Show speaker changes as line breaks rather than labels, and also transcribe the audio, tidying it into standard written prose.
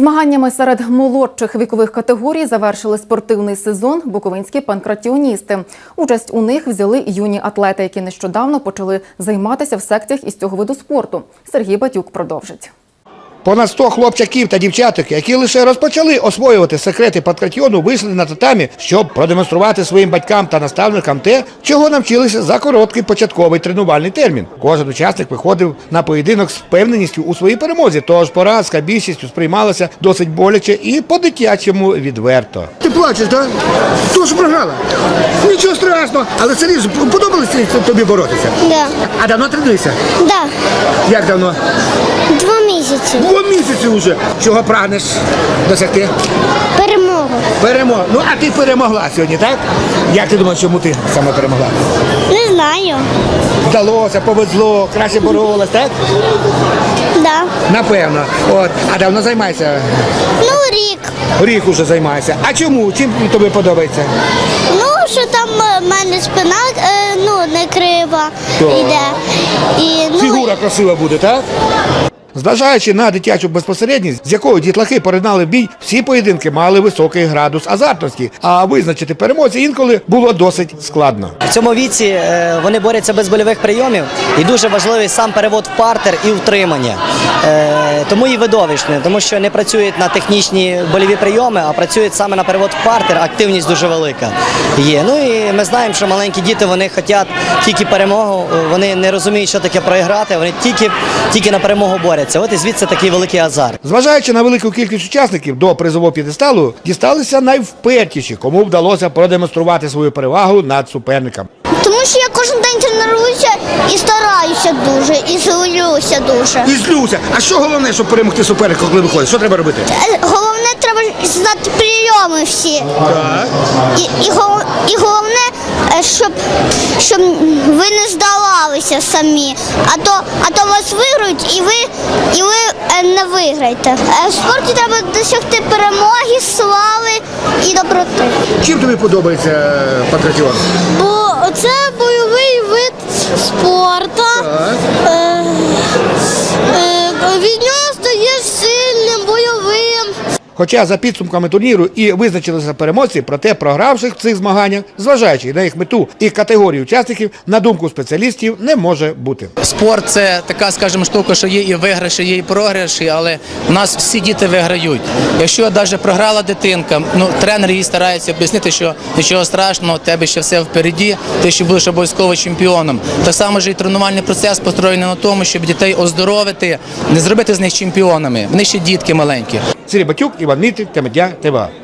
Змаганнями серед молодших вікових категорій завершили спортивний сезон буковинські панкратіоністи. Участь у них взяли юні атлети, які нещодавно почали займатися в секціях із цього виду спорту. Сергій Батюк продовжить.
Понад 100 хлопчаків та дівчаток, які лише розпочали освоювати секрети панкратіону, вийшли на татамі, щоб продемонструвати своїм батькам та наставникам те, чого навчилися за короткий початковий тренувальний термін. Кожен учасник виходив на поєдинок з впевненістю у своїй перемозі, тож поразка більшістю сприймалася досить боляче і по-дитячому відверто. Ти плачеш, так? Хто ж програла? Нічого страшного, але серйозно, подобалося тобі боротися?
Да.
А давно тренуєшся?
Да.
Як давно?
2 місяці.
2 місяці вже. Чого прагнеш досягти?
Перемогу.
Перемога. Ну, а ти перемогла сьогодні, так? Як ти думаєш, чому ти саме перемогла?
Не знаю.
Вдалося, повезло, краще боролась, так?
Да.
Напевно. От. А давно займаєшся?
Ну, рік.
Рік уже займаєшся. А чому? Чим тобі подобається?
Ну, що там в мене спина не крива
Так.
йде. І,
Фігура красива буде, так? Зважаючи на дитячу безпосередність, з якою дітлахи поринали в бій, всі поєдинки мали високий градус азартності, а визначити переможця інколи було досить складно.
В цьому віці вони борються без больових прийомів, і дуже важливий сам перевод в партер і утримання. Тому і видовищне, тому що не працюють на технічні больові прийоми, а працюють саме на перевод в партер, активність дуже велика є. Ну і ми знаємо, що маленькі діти, вони хочуть тільки перемогу, вони не розуміють, що таке проіграти, вони тільки на перемогу борються. От і звідси такий великий азарт.
Зважаючи на велику кількість учасників, до призового п'єдесталу дісталися найвпертіші, кому вдалося продемонструвати свою перевагу над суперником.
Тому що я кожен день тренуюся і стараюся дуже, і злюся дуже.
І злюся. А що головне, щоб перемогти суперника, коли виходить? Що треба робити?
Головне, треба знати прийоми всі.
Так.
І головне, щоб ви не здавалися самі, а то вас виграють і ви не виграєте. В спорті треба досягти перемоги, слави і доброти.
Чим тобі подобається панкратіон?
Бо це бойовий вид спорту. Від нього стаєш сильним, бойовим.
Хоча за підсумками турніру і визначилися переможці, проте програвших в цих змаганнях, зважаючи на їх мету і категорію учасників, на думку спеціалістів, не може бути.
Спорт – це така, скажімо, штука, що є і виграші, є і програші, але у нас всі діти виграють. Якщо навіть програла дитинка, тренер їй старається об'яснити, що нічого страшного, у тебе ще все впереді, ти ще будеш обов'язково чемпіоном. Так само ж і тренувальний процес построєний на тому, щоб дітей оздоровити, не зробити з них чемпіонами. Вони ще дітки маленькі.
Сергій Батюк, Іван Мітрик, Тема дня, ТВА.